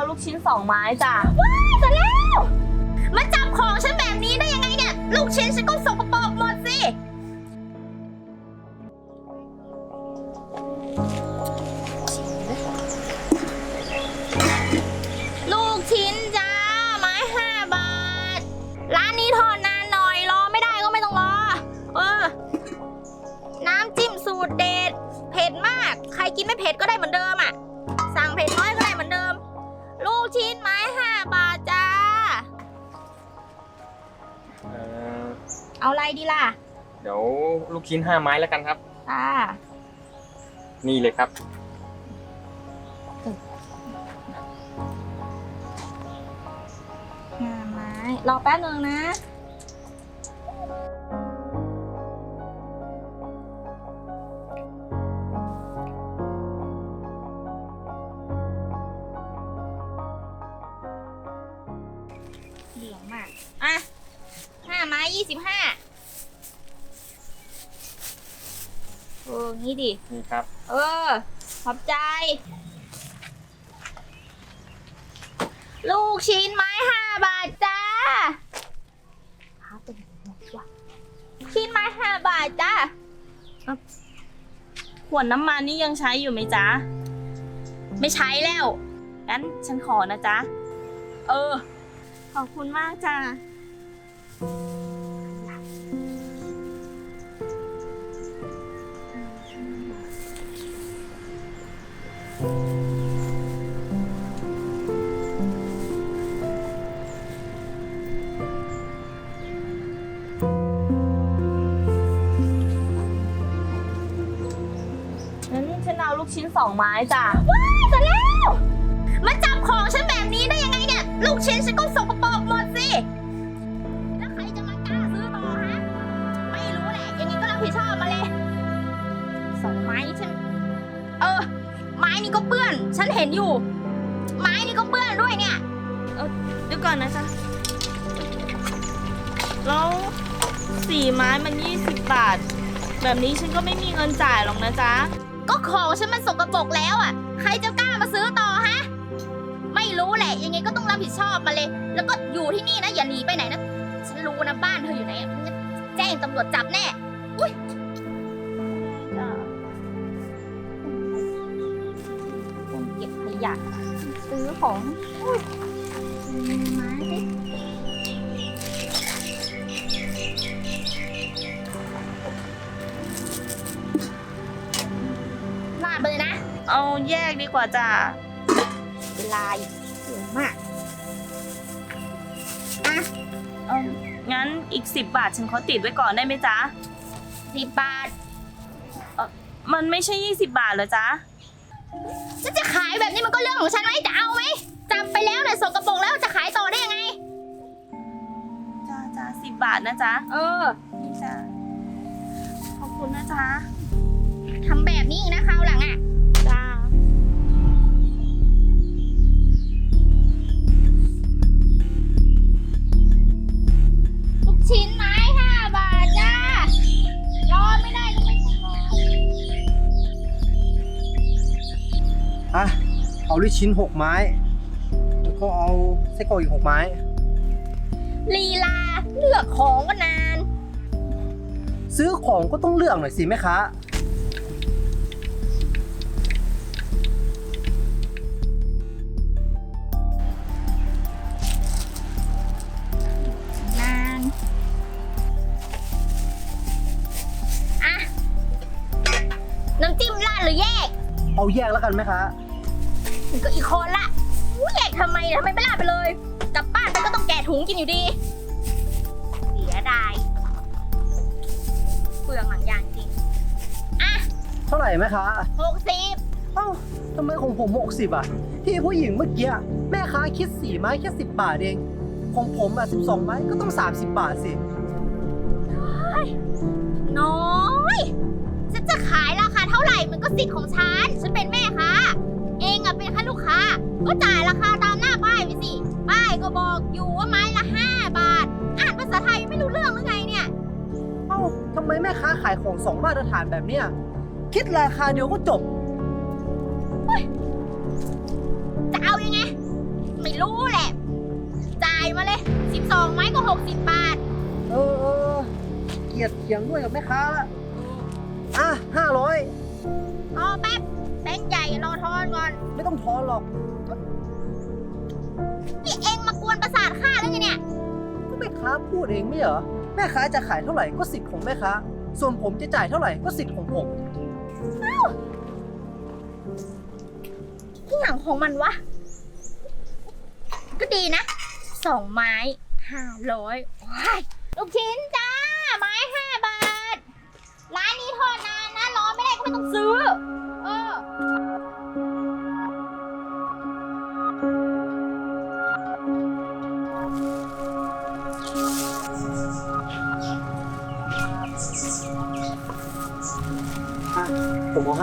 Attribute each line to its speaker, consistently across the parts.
Speaker 1: ลูกชิ้น2 ไม้จ้ะ
Speaker 2: ว้ายแต่แล้วมาจับของฉันแบบนี้ได้ยังไงเนี่ยลูกชิ้นฉันก็สกปรกหมดสิลูกชิ้นจ้าไม้5 บาทร้านนี้ทอดนานหน่อยรอไม่ได้ก็ไม่ต้องรอน้ำจิ้มสูตรเด็ดเผ็ดมากใครกินไม่เผ็ดก็ได้เหมือนเดิมอ่ะสั่งเผ็ดน้อยก็ได้เหมือนเดิมลูกชิ้นไม้5 บาทจ้าเอาอะไรดีล่ะ
Speaker 3: เดี๋ยวลูกชิ้น5 ไม้แล้วกันครับ
Speaker 2: ค่ะ
Speaker 3: นี่เลยครับ
Speaker 2: 5 ไม้รอแป๊บนึงนะเหลืองมากอ่ะ5 ไม้ 25งี้ดิ
Speaker 3: นี่ครับ
Speaker 2: ขอบใจลูกชิ้นไม้5 บาทจ้าชิ้นไม้5 บาทจ้า
Speaker 1: ขวดน้ำมันนี่ยังใช้อยู่ไหมจ๊ะ
Speaker 2: ไม่ใช้แล้ว
Speaker 1: งั้นฉันขอนะจ๊ะขอบคุณมากจ้ะงั้นฉันเอาลูกชิ้น2 ไม้จ้ะ
Speaker 2: ว้ายแต่แล้วมาจับของฉันแบบนี้ได้ยังไงเนี่ยลูกชิ้นฉันก็สกปรกหมดสิแล้วใครจะมากล้าซื้อต่อฮะไม่รู้แหละยังไงก็รับผิดชอบมาเลย2 ไม้ฉันไม้นี้ก็เปื้อนฉันเห็นอยู่ไม้นี้ก็เปื้อนด้วยเนี่ย
Speaker 1: เดี๋ยวก่อนนะจ๊ะแล้ว4 ไม้มัน20 บาทแบบนี้ฉันก็ไม่มีเงินจ่ายหรอกนะจ๊ะ
Speaker 2: ก็ของฉันมันสกปรกแล้วอ่ะใครจะกล้ามาซื้อต่อฮะไม่รู้แหละยังไงก็ต้องรับผิดชอบมาเลยแล้วก็อยู่ที่นี่นะอย่าหนีไปไหนนะฉันรู้นะบ้านเธออยู่ไหนแจ้งตำรวจจับแน่อุ้ยคนเก็บขยะซื้อของมาสิลาดไปเลยนะ
Speaker 1: เอาแยกดีกว่าจ้ะ
Speaker 2: เวลาเยอะมาก
Speaker 1: งั้นอีก10 บาทฉันขอติดไว้ก่อนได้ไหมจ๊ะ
Speaker 2: 10 บาท
Speaker 1: มันไม่ใช่20 บาทเหรอจ๊ะ
Speaker 2: ฉันจะขายแบบนี้มันก็เรื่องของฉันไหมจะเอาไหมจับไปแล้วเนี่ยสกปรกแล้วจะขายต่อได้ยังไง
Speaker 1: จ้า10 บาทนะจ๊ะนี่จ้ะขอบคุณนะจ๊ะ
Speaker 2: ทำแบบนี้อีกนะคราวหลังอ่ะ
Speaker 1: จ้า
Speaker 2: ลูกชิ้นไม้5 บาทจ้ารอไม่ได้ก็ไม่ต้องร
Speaker 4: อเอาลูกชิ้น6 ไม้แล้วก็เอาไส้กรอกอีก6 ไม้
Speaker 2: ลีลาเลือกของก็นาน
Speaker 4: ซื้อของก็ต้องเลือกหน่อยสิแม่ค้าน
Speaker 2: านน้ำจิ้มราดหรือแยก
Speaker 4: เอาแยกแล้วกันแม่ค้า
Speaker 2: มันก็อีกคนละแยกทำไมไม่ราดไปเลยกลับบ้านไปก็ต้องแกะถุงกินอยู่ดีเสียดายเปลืองหลังยางจริง
Speaker 4: เท่าไหร่แม่ค้า
Speaker 2: 60
Speaker 4: เอ้าทำไมของผม60ที่ผู้หญิงเมื่อกี้แม่ค้าคิด4 ไม้แค่10 บาทเองของผม12 ไม้ก็ต้อง30 บาทสิ
Speaker 2: น้อยฉันจะขายราคาเท่าไหร่มันก็สิทธิ์ของฉันเป็นแม่ค้าเองเป็นแค่ลูกค้าก็จ่ายราคาตามหน้าป้ายไปสิป้ายก็บอกอยู่ว่าไม้ละ5 บาทอ่านภาษาไทยไม่รู้เรื่องหรือไงเนี่ย
Speaker 4: เอ้าทำไมแม่ค้าขายของ2 มาตรฐานแบบเนี้ยคิดราคาเดียวก็จบ
Speaker 2: จะเอายังไง 60 บาท
Speaker 4: เออ เกลียดเถียงด้วยกับแม่ค้าละอ่ะ500
Speaker 2: รอแป๊บแบงค์ใหญ่รอทอนก่อน
Speaker 4: ไม่ต้องทอนหรอก
Speaker 2: นี่เองมากวนประสาทข้าแล้วไงเนี่ย
Speaker 4: ก็แม่ค้าพูดเองไม่เหรอ แม่ค้าจะขายเท่าไหร่ก็สิทธิ์ของแม่ค้า ส่วนผมจะจ่ายเท่าไหร่ก็สิทธิ์ของผม
Speaker 2: ที่หนังของมันวะ ก็ดีนะ 2 ไม้ 500ว้ายลูกชิ้นจ้า ไม้ 5 บาท ร้านนี้ทอดนานนะ รอไม่ได้ก็ไม่ต้องซื้อ เออ
Speaker 4: อ่ะ ผมเอาให้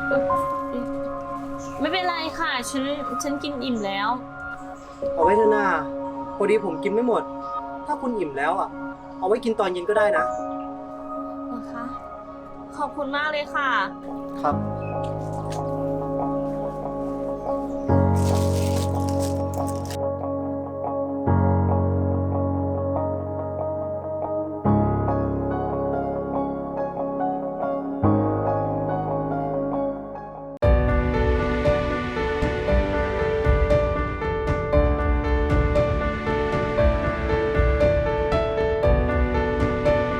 Speaker 1: ไม่เป็นไรค่ะ ฉันกินอิ่มแล้ว
Speaker 4: เอาไว้เถอะนาพอดีผมกินไม่หมด ถ้าคุณอิ่มแล้วอ่ะ เอาไว้กินตอนเย็นก็ได้นะ
Speaker 1: นะคะ ขอบคุณมากเลยค่ะ
Speaker 4: ครับ